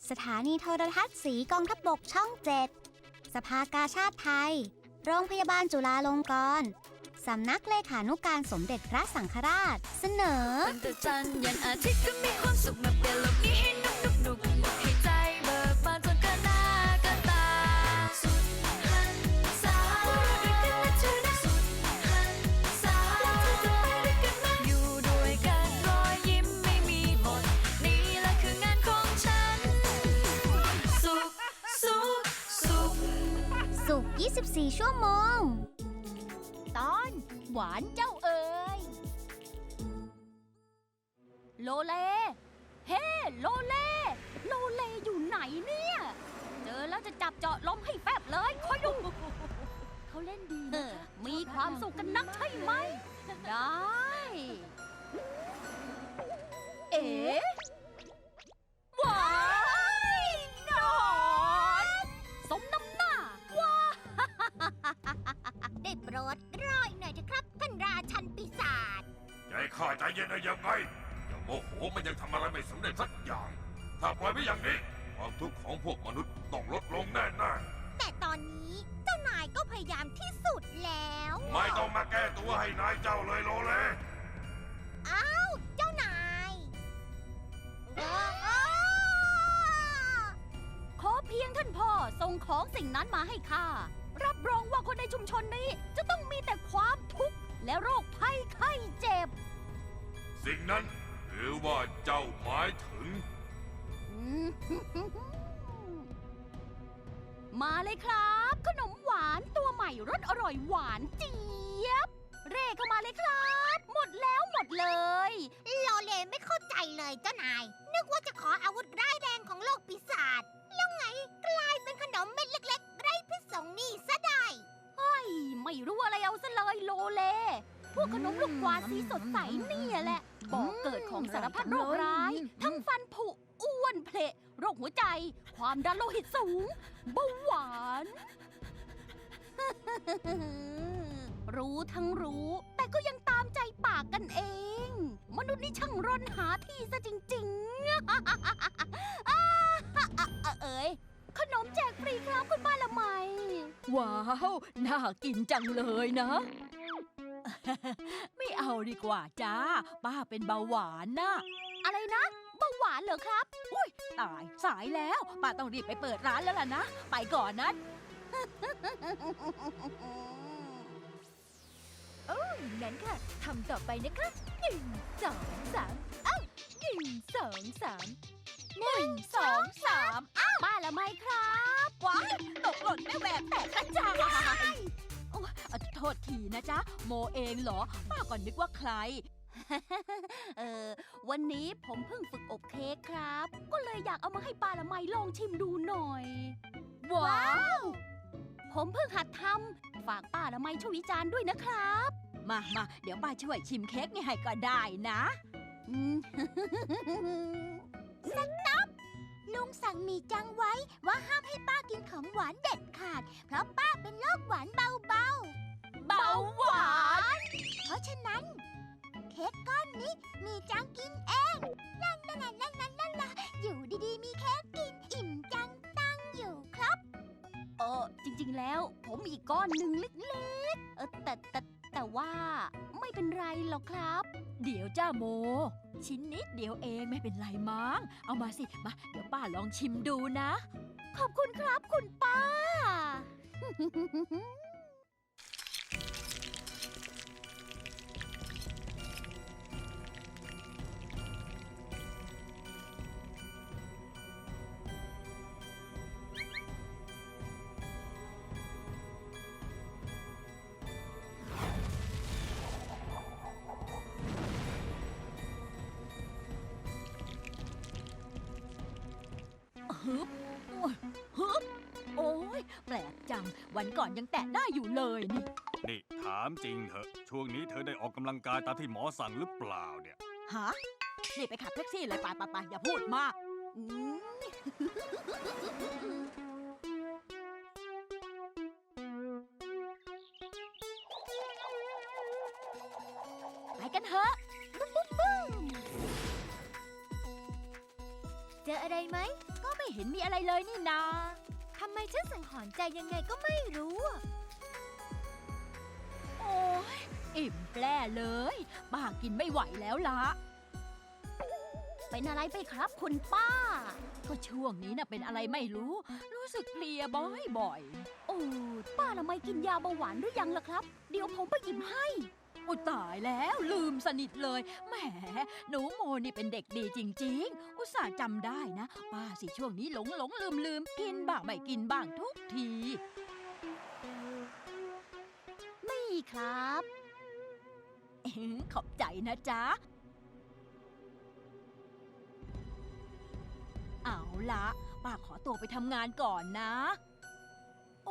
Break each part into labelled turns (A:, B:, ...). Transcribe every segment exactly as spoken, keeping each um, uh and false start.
A: สถานีโทรทัศน์สีกองทัพบกช่องเจ็ดสภากาชาดไทยโรงพยาบาลจุฬาลงกรณ์สำนักเลขานุการสมเด็จพระสังฆราชเสนอ
B: วันแต่จันทร์ยันอาทิตย์ก็มีความสุขมาเปลี่ยนโลกนี้ให้นุกนุกนุกให้ใจเบิกบานจนเกินหน้าเกินตาสุดหันษาด้วยกันนะเธอนะสุดหันษาจะไปด้วยกันไหมอยู่ด้วยกันรอยยิ้มไม่มีหมดนี่แหละคืองานของฉันสุขสุขสุข
A: สุขยี่สิบสี่ชั่วโมง
C: ตอนหวานเจ้าเอ๋ยโลเลเฮ้โลเลโลเลอยู่ไหนเนี่ยเจอแล้วจะจับเจาะล้มให้แฟบเลยคอยดูเขาเล่นดีนะคะมีความสุขกันนักใช่ไหมได้เอ๋ว้ายนอนสมน้ำหน้าว้าได้โปรดร้อยหน่อยเถอะครับท่านราชันปีศาจ
D: ใจข้าใจเย็นได้ยังไงอย่างโมโหมันยังทำอะไรไม่สำเร็จสักอย่าง ถ้าปล่อยไว้อย่างนี้ความทุกข์ของพวกมนุษย์ต้องลดลงแน่ๆ
C: แต่ตอนนี้เจ้านายก็พยายามที่สุดแล้ว
D: ไม่ต้องมาแก้ตัวให้นายเจ้าเลยโลเล
C: อ้าวเจ้านายขอเพียงท่านพ่อส่งของสิ่งนั้นมาให้ข้ารับรองว่าคนในชุมชนนี้จะต้องมีแต่ความทุกข์และโรคภัยไข้เจ็บ
D: สิ่งนั้นหรือว่าเจ้าหมายถึง
C: มาเลยครับ ขนมหวานตัวใหม่รสอร่อยหวานเจี๊ยบ เร่เข้ามาเลยครับ หมดแล้วหมดเลยโลเลไม่เข้าใจเลยเจ้านาย นึกว่าจะขออาวุธร้ายแรงของโลกปีศาจแล้วไงกลายเป็นขนมเม็ดเล็กๆไร้พิษสงนี่ซะได้เฮ้ยไม่รู้อะไรเอาซะเลยโลเล พวกขนมลูกกวาดสีสดใสนี่แหละบอกเกิดของสารพัดโรคร้าย ทั้งฟันผุอ้วนเพลโรคหัวใจ ความดันโลหิตสูงเบาหวาน รู้ทั้งรู้ แต่ก็ยังตามใจปากกันเอง มนุษย์นี่ช่างร่อนหาที่ซะจริงๆ เอ๋ยขนมแจกฟรีครับคุณป้าละไม
E: ว้าว น่ากินจังเลยนะ ไม่เอาดีกว่าจ้า ป้าเป็นเบาหวานนะ
C: อะไรนะเบาหวานเหรอครับ
E: อุ้ยตายสายแล้ว ป้าต้องรีบไปเปิดร้านแล้วล่ะนะ ไปก่อนนะ
C: โอ้งั้นค่ะทำต่อไปนะคะหนึ่งสองสามเอ้าหนึ่งสองสามหนึ่งสองสามอ้าวป้าละไมครับว้ายตกหล่นไม่แหวกแตกกระจาย
E: โอ้โทษทีนะจ๊ะ โมเองเหรอ ป้าก่อนนึกว่าใคร
C: เออวันนี้ผมเพิ่งฝึกอบเค้กครับ ก็เลยอยากเอามาให้ป้าละไมลองชิมดูหน่อย ว้าว ผมเพิ่งหัดทำฝากป้าละไมช่วยวิจารณ์ด้วยนะครับ
E: มามาเดี๋ยวป้าช่วยชิมเค้กนี่ให้ก็ได้นะ
C: สต๊อปลุงสั่งมีจังไว้ว่าห้ามให้ป้ากินของหวานเด็ดขาด เพราะป้าเป็นโรคหวานเบาๆ เบาหวาน เพราะฉะนั้น เค้กก้อนนี้มีจังกินเองนั่นนั่นนั่นนั่นนั่นล่ะอยู่ดีๆมีเค้กกินอิ่มจังตั้งอยู่ครับเออจริงๆแล้วผมมีอีกก้อนหนึ่งเล็กๆเออแต่แต่แต่ว่าไม่เป็นไรหรอกครับ
E: เดี๋ยวจ้าโม ชิ้นนิดเดียวเองไม่เป็นไรมั้ง เอามาสิ มา เดี๋ยวป้าลองชิมดูนะ
C: ขอบคุณครับคุณป้า
E: ฮึบโอ้ยฮึบโอ้ยแปลกจัง วันก่อนยังแตะได้อยู่เลยนี่
F: นี่ถามจริงเถอะ ช่วงนี้เธอได้ออกกำลังกายตามที่หมอสั่งหรือเปล่าเนี่ย
E: ฮะ นี่ไปขับแท็กซี่เลยไปไปไปอย่าพูดมาก
C: ไปกันเถอะบุ้มบุ้มบุ้มเจออะไรไหม
E: ก็ไม่เห็นมีอะไรเลยนี่นา
C: ทำไมฉันสังหรณ์ใจยังไงก็ไม่รู้อะ
E: โอ้ยอิ่มแปร่เลยป้ากินไม่ไหวแล้วละ
C: เป็นอะไรไปครับคุณป้า
E: ก็ช่วงนี้น่ะเป็นอะไรไม่รู้ รู้สึกเพลียบ่อย
C: โอ้ป้าละไม่กินยาเบาหวานหรือยังล่ะครับ เดี๋ยวผมไปหยิบให้
E: ๆ โอ้ตายแล้วลืมสนิทเลยแหมหนูโมนี่เป็นเด็กดีจริง ๆ อุตส่าห์จำได้นะ ป้าสิช่วงนี้หลงหลงลืมลืมกินบ้างไม่กินบ้างทุกที
C: นี่ครับ
E: เอ็งขอบใจนะจ๊ะ เอาละป้าขอตัวไปทำงานก่อนนะ โอ้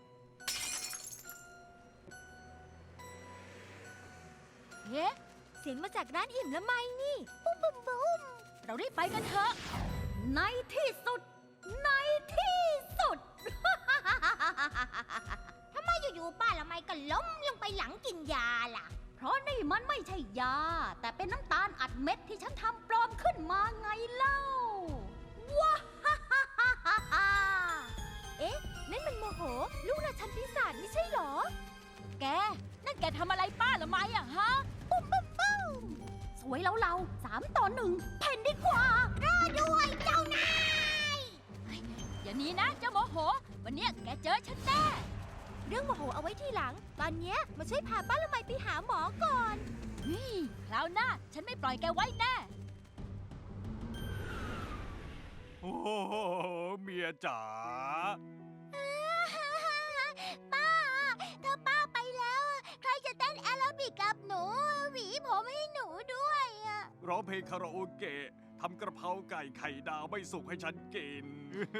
C: เอ๊ะ เสียงมาจากร้านอิ่มละไมนี่ ปุ้มปุ้มปุ้ม
E: เรารีบไปกันเถอะ
C: ในที่สุด ในที่สุด ทำไมอยู่ๆป้าละไมก็ล้มลงไปหลังกินยาล่ะ เพราะนี่มันไม่ใช่ยา แต่เป็นน้ำตาลอัดเม็ดที่ฉันทำปลอมขึ้นมาไงเล่า ว้าฮ่าฮ่าฮ่าฮ่าฮ่าเอ๊ะ นั่นมันโมโห ลูกราชันปีศาจไม่ใช่เหรอ
E: แก นั่นแกทำอะไรป้าละไมอะฮะ
C: ปุ้มปุ้มปุ้มสวยแล้วเราสามต่อหนึ่งเพ่นดีกว่ารอด้วยเจ้านาย
E: อย่าหนี้นะเจ้าโมโห วันเนี้ยแกเจอฉันแน่
C: เรื่องโมโหเอาไว้ทีหลัง ตอนเนี้ยมาช่วยพาป้าละไมไปหาหมอก่อน
E: นี่คราวหน้าฉันไม่ปล่อยแกไว้แน่
F: โอ้โหเมียจ๋า
C: ป้า ถ้าป้าไปแล้ว ใครจะเต้นแอโรบิกกับหนู หวีผมให้หนูด้วยอะ
F: ร้องเพลงคาราโอเกะทำกระเพราไก่ไข่ดาวไม่สุกให้ฉันกิน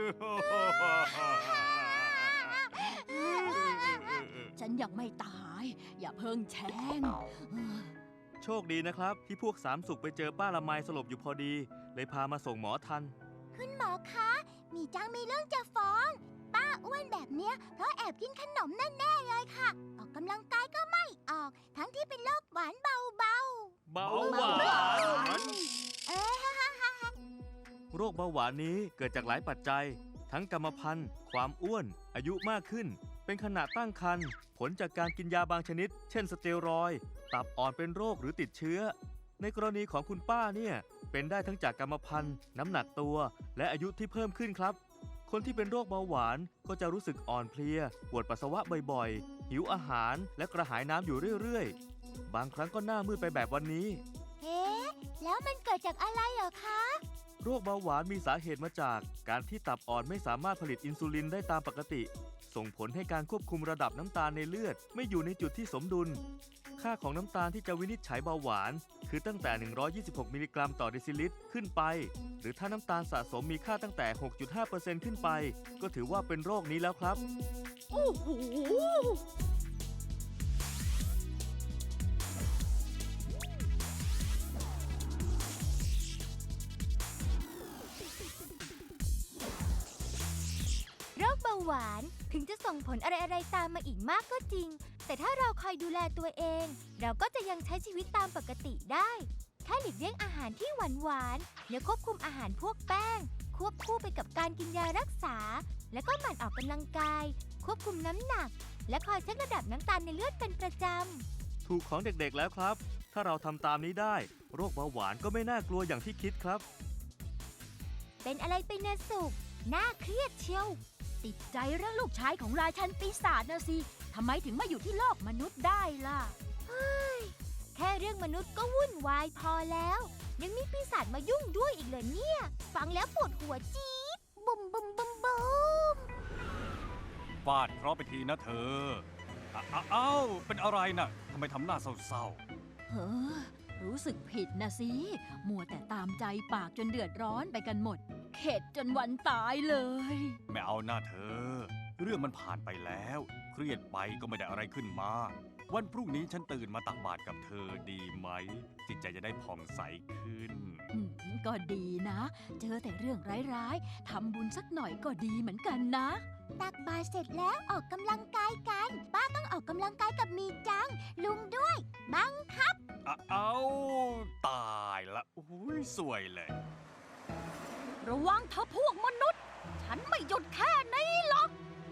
E: ฉันยังไม่ตาย อย่าเพิ่งแช่ง
G: โชคดีนะครับ ที่พวกสามสุขไปเจอป้าละไมสลบอยู่พอดี เลยพามาส่งหมอทัน
C: คุณหมอคะ มีจังมีเรื่องจะฟ้อง ป้าอ้วนแบบเนี้ยเพราะแอบกินขนมแน่ๆเลยค่ะ ออกกำลังกายก็ไม่ออก ทั้งที่เป็นโรคหวานเบา
G: เบาหวาน
C: ๆ เอ๊ะ
G: โรคเบาหวานนี้เกิดจากหลายปัจจัย ทั้งกรรมพันธุ์ ความอ้วน อายุมากขึ้น เป็นขณะตั้งครรภ์ ผลจากการกินยาบางชนิด เช่นสเตียรอยด์ ตับอ่อนเป็นโรคหรือติดเชื้อ ในกรณีของคุณป้าเนี่ย เป็นได้ทั้งจากกรรมพันธุ์ น้ำหนักตัว และอายุที่เพิ่มขึ้นครับ คนที่เป็นโรคเบาหวานก็จะรู้สึกอ่อนเพลีย ปวดปัสสาวะบ่อยๆ หิวอาหาร และกระหายน้ำอยู่เรื่อยๆ บางครั้งก็หน้ามืดไปแบบวันนี้
C: เอ๊ะ แล้วมันเกิดจากอะไรเหรอคะ
G: โรคเบาหวานมีสาเหตุมาจากการที่ตับอ่อนไม่สามารถผลิตอินซูลินได้ตามปกติ ส่งผลให้การควบคุมระดับน้ำตาลในเลือดไม่อยู่ในจุดที่สมดุล ค่าของน้ำตาลที่จะวินิจฉัยเบาหวาน คือตั้งแต่ หนึ่งร้อยยี่สิบหก มิลลิกรัมต่อเดซิลิตรขึ้นไป หรือถ้าน้ำตาลสะสมมีค่าตั้งแต่ หกจุดห้าเปอร์เซ็นต์ ขึ้นไป ก็ถือว่าเป็นโรคนี้แล้วครับ
E: โอ้โห
C: โรคเบาหวานถึงจะส่งผลอะไรๆตามมาอีกมากก็จริง แต่ถ้าเราคอยดูแลตัวเอง เราก็จะยังใช้ชีวิตตามปกติได้ แค่หลีกเลี่ยงอาหารที่หวานหวานๆและควบคุมอาหารพวกแป้ง ควบคู่ไปกับการกินยารักษา และก็หมั่นออกกำลังกาย ควบคุมน้ำหนัก และคอยเช็คระดับน้ำตาลในเลือดเป็นประจำ
G: ถูกของเด็กๆแล้วครับ ถ้าเราทำตามนี้ได้ โรคเบาหวานก็ไม่น่ากลัวอย่างที่คิดครับ
C: เป็นอะไรไปนะสุขน่าเครียดเชียว
E: ติดใจเรื่องลูกชายของราชันปีศาจนะสิ ทำไมถึงมาอยู่ที่โลกมนุษย์ได้ล่ะ
C: แค่เรื่องมนุษย์ก็วุ่นวายพอแล้ว ยังมีปีศาจมายุ่งด้วยอีกเหรอเนี่ย ฟังแล้วปวดหัวจี๊ดบุมบุมบุมบุม
F: ฟาดเคราะห์ไปทีนะเธออ้าเอ้าเป็นอะไรน่ะทำไมทำหน้าเศร้า
E: เฮ้อรู้สึกผิดนะสิ มัวแต่ตามใจปากจนเดือดร้อนไปกันหมด เข็ดจนวันตายเลย
F: ๆไม่เอาหน้าเธอ เรื่องมันผ่านไปแล้ว เครียดไปก็ไม่ได้อะไรขึ้นมา วันพรุ่งนี้ฉันตื่นมาตักบาตรกับเธอดีไหม จิตใจจะได้ผ่องใสขึ้น
E: อืมก็ดีนะ เจอแต่เรื่องร้ายๆ ทำบุญสักหน่อยก็ดีเหมือนกันนะ
C: ตักบาตรเสร็จแล้วออกกำลังกายกัน ป้าต้องออกกำลังกายกับมีจัง ลุงด้วย บังคับ
F: อ้าเอ้าตายละอุ้ยสวยเลย
C: ระวังเธอพวกมนุษย์ ฉันไม่หยุดแค่นี้หรอก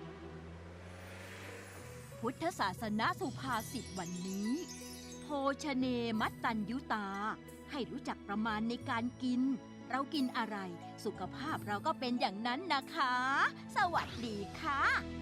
E: พุทธศาสนาสุภาษิตวันนี้ โภชเนมัตตัญยุตา ให้รู้จักประมาณในการกิน เรากินอะไร สุขภาพเราก็เป็นอย่างนั้นนะคะ สวัสดีค่ะ